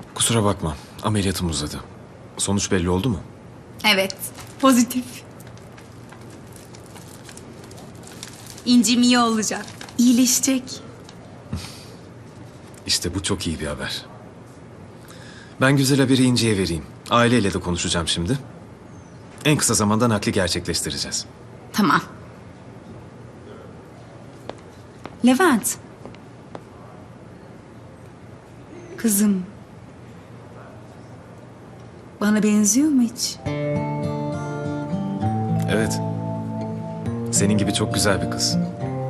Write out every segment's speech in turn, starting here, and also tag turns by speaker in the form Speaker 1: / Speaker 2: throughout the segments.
Speaker 1: Kusura bakma. Ameliyatım uzadı. Sonuç belli oldu mu?
Speaker 2: Evet, pozitif. İncim iyi olacak, iyileşecek.
Speaker 1: İşte bu çok iyi bir haber. Ben güzel haberi İnci'ye vereyim. Aileyle de konuşacağım şimdi. En kısa zamanda nakli gerçekleştireceğiz.
Speaker 2: Tamam. Levent. Kızım. Bana benziyor mu hiç?
Speaker 1: Evet. Senin gibi çok güzel bir kız.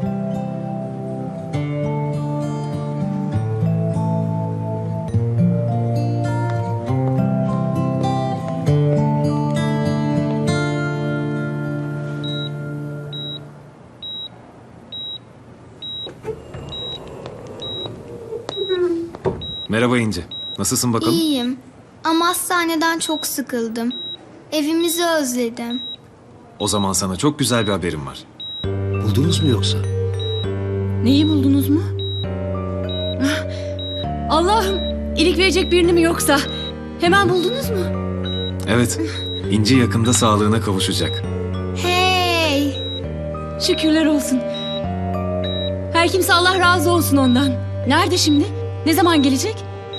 Speaker 1: Merhaba İnci. Nasılsın bakalım?
Speaker 3: İyiyim ama hastaneden çok sıkıldım. Evimizi özledim.
Speaker 1: O zaman sana çok güzel bir haberim var.
Speaker 4: Buldunuz mu yoksa?
Speaker 5: Neyi buldunuz mu? Ah, Allah'ım, iyilik verecek birini mi yoksa? Hemen buldunuz mu?
Speaker 1: Evet, İnci yakında sağlığına kavuşacak.
Speaker 3: Hey!
Speaker 5: Şükürler olsun. Her kimse Allah razı olsun ondan. Nerede şimdi? Ne zaman gelecek?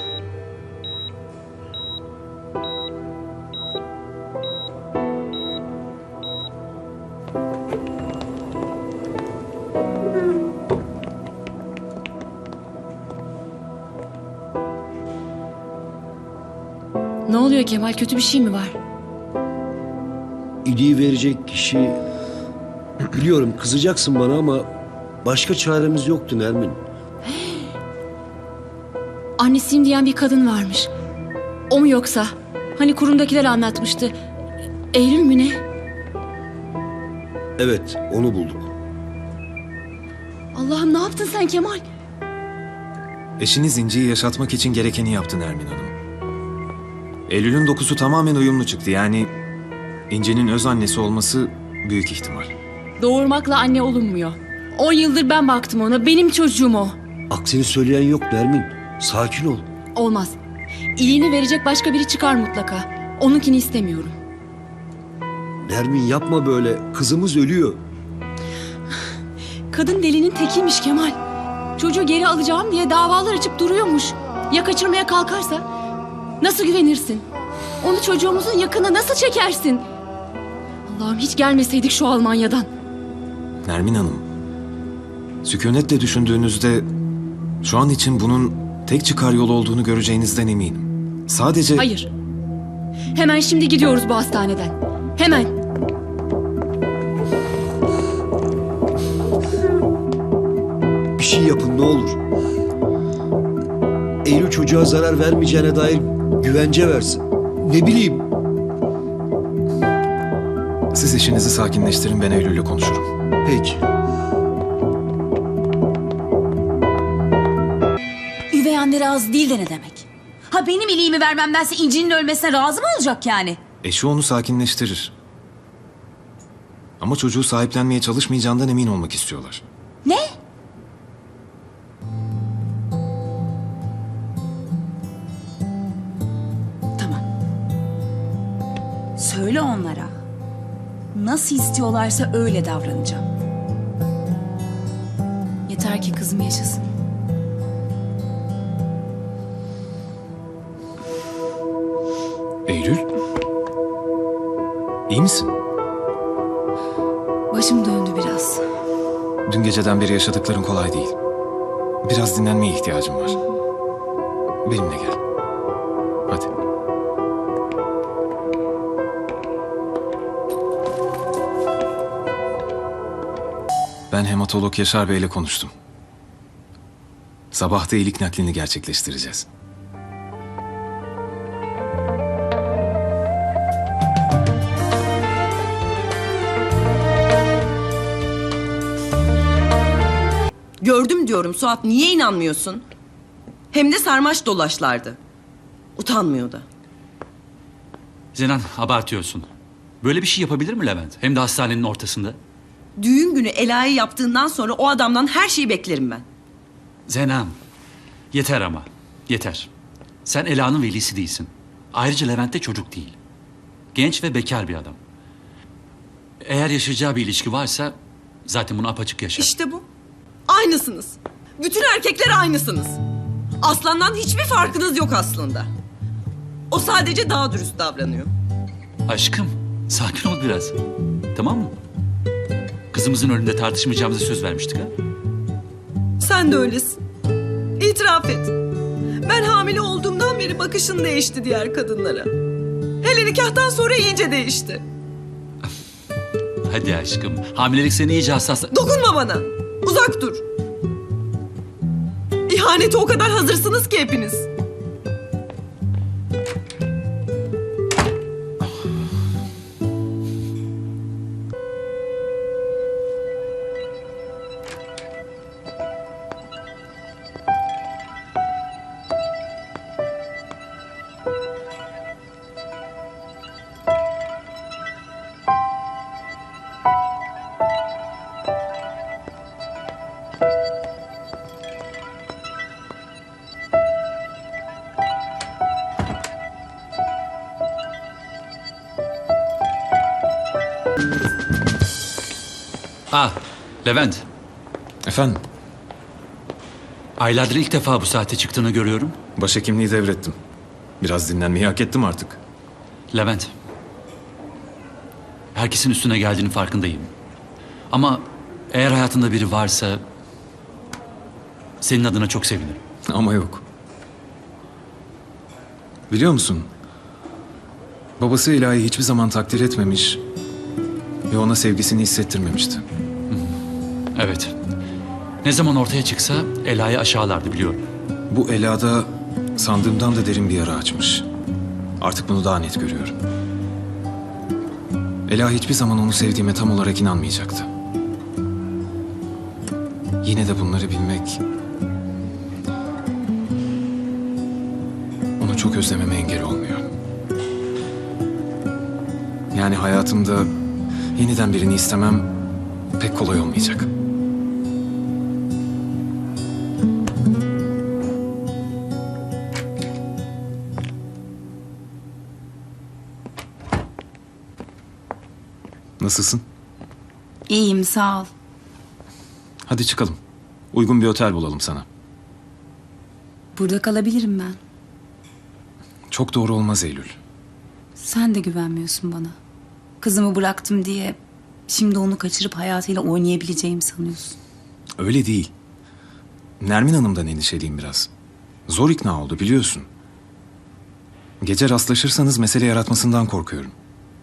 Speaker 5: Ne oluyor Kemal? Kötü bir şey mi var?
Speaker 4: İliği verecek kişi... Biliyorum kızacaksın bana ama... Başka çaremiz yoktu Nermin.
Speaker 5: Annesiyim diyen bir kadın varmış. O mu yoksa? Hani kurumdakiler anlatmıştı. Eylül mü ne?
Speaker 4: Evet, onu bulduk.
Speaker 5: Allah'ım, ne yaptın sen Kemal?
Speaker 1: Eşiniz İnci'yi yaşatmak için gerekeni yaptı Nermin Hanım. Eylül'ün dokusu tamamen uyumlu çıktı. Yani İnci'nin öz annesi olması büyük ihtimal.
Speaker 5: Doğurmakla anne olunmuyor. 10 yıldır ben baktım ona. Benim çocuğum o.
Speaker 4: Aksini söyleyen yok Nermin. Sakin ol.
Speaker 5: Olmaz. İliğini verecek başka biri çıkar mutlaka. Onunkini istemiyorum.
Speaker 4: Nermin yapma böyle. Kızımız ölüyor.
Speaker 5: Kadın delinin tekiymiş Kemal. Çocuğu geri alacağım diye davalar açıp duruyormuş. Ya kaçırmaya kalkarsa? Nasıl güvenirsin? Onu çocuğumuzun yakına nasıl çekersin? Allah'ım, hiç gelmeseydik şu Almanya'dan.
Speaker 1: Nermin Hanım, sükunetle düşündüğünüzde şu an için bunun tek çıkar yolu olduğunu göreceğinizden eminim. Sadece...
Speaker 5: Hayır. Hemen şimdi gidiyoruz bu hastaneden. Hemen.
Speaker 4: Bir şey yapın ne olur. Eylül çocuğa zarar vermeyeceğine dair güvence versin. Ne bileyim.
Speaker 1: Siz eşinizi sakinleştirin, ben Eylül'le konuşurum.
Speaker 4: Peki.
Speaker 6: Üvey anne razı değil de ne demek? Ha, benim iliğimi vermemdense İnci'nin ölmesine razı mı olacak yani?
Speaker 1: Eşi onu sakinleştirir. Ama çocuğu sahiplenmeye çalışmayacağından emin olmak istiyorlar.
Speaker 6: Ne? Tamam. Söyle onlara. Nasıl istiyorlarsa öyle davranacağım. Yeter ki kızım yaşasın.
Speaker 1: Eylül? İyi misin?
Speaker 5: Başım döndü biraz.
Speaker 1: Dün geceden beri yaşadıkların kolay değil. Biraz dinlenmeye ihtiyacım var. Benimle gel. Hadi. Ben hematolog Yaşar Bey'le konuştum. Sabah da iyilik naklini gerçekleştireceğiz.
Speaker 7: Gördüm diyorum Suat, niye inanmıyorsun? Hem de sarmaş dolaşlardı. Utanmıyor da.
Speaker 8: Zenan, abartıyorsun. Böyle bir şey yapabilir mi Levent? Hem de hastanenin ortasında.
Speaker 7: Düğün günü Ela'yı yaptığından sonra o adamdan her şeyi beklerim ben.
Speaker 8: Zenan, yeter ama. Yeter. Sen Ela'nın velisi değilsin. Ayrıca Levent de çocuk değil. Genç ve bekar bir adam. Eğer yaşayacağı bir ilişki varsa zaten bunu apaçık yaşar.
Speaker 7: İşte bu. Aynısınız. Bütün erkekler aynısınız. Aslandan hiçbir farkınız yok aslında. O sadece daha dürüst davranıyor.
Speaker 8: Aşkım, sakin ol biraz. Tamam mı? Kızımızın önünde tartışmayacağımıza söz vermiştik ha?
Speaker 7: Sen de öylesin. İtiraf et. Ben hamile olduğumdan beri bakışın değişti diğer kadınlara. Hele nikahtan sonra iyice değişti.
Speaker 8: Hadi aşkım. Hamilelik seni iyice hassasla...
Speaker 7: Dokunma bana. Uzak dur. İhanete o kadar hazırsınız ki hepiniz.
Speaker 8: Ah, Levent.
Speaker 1: Efendim,
Speaker 8: Aylardır ilk defa bu saate çıktığını görüyorum.
Speaker 1: başhekimliği devrettim. Biraz dinlenmeyi hak ettim artık.
Speaker 8: Levent. Herkesin üstüne geldiğinin farkındayım. Ama eğer hayatında biri varsa... senin adına çok sevinirim.
Speaker 1: Ama yok. Biliyor musun? Babası Ela'yı hiçbir zaman takdir etmemiş ve ona sevgisini hissettirmemişti.
Speaker 8: Evet. Ne zaman ortaya çıksa Ela'yı aşağılardı biliyorum.
Speaker 1: Bu Ela'da sandığımdan da derin bir yara açmış. Artık bunu daha net görüyorum. Ela hiçbir zaman onu sevdiğime tam olarak inanmayacaktı. Yine de bunları bilmek... onu çok özlememe engel olmuyor. Yani hayatımda yeniden birini istemem pek kolay olmayacak. Nasılsın?
Speaker 2: İyiyim sağ ol.
Speaker 1: Hadi çıkalım. Uygun bir otel bulalım sana.
Speaker 2: Burada kalabilirim ben.
Speaker 1: Çok doğru olmaz Eylül.
Speaker 2: Sen de güvenmiyorsun bana. Kızımı bıraktım diye şimdi onu kaçırıp hayatıyla oynayabileceğimi sanıyorsun.
Speaker 1: Öyle değil. Nermin Hanım'dan endişeliyim biraz. Zor ikna oldu biliyorsun. Gece rastlaşırsanız mesele yaratmasından korkuyorum.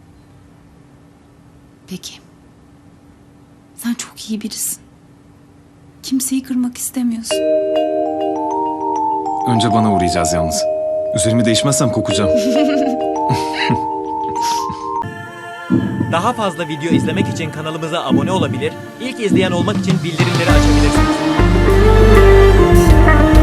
Speaker 2: Peki. Sen çok iyi birisin. Kimseyi kırmak istemiyorsun.
Speaker 1: Önce bana uğrayacağız yalnız. Üzerimi değişmezsem kokacağım.
Speaker 9: Daha fazla video izlemek için kanalımıza abone olabilir, ilk izleyen olmak için bildirimleri açabilirsiniz.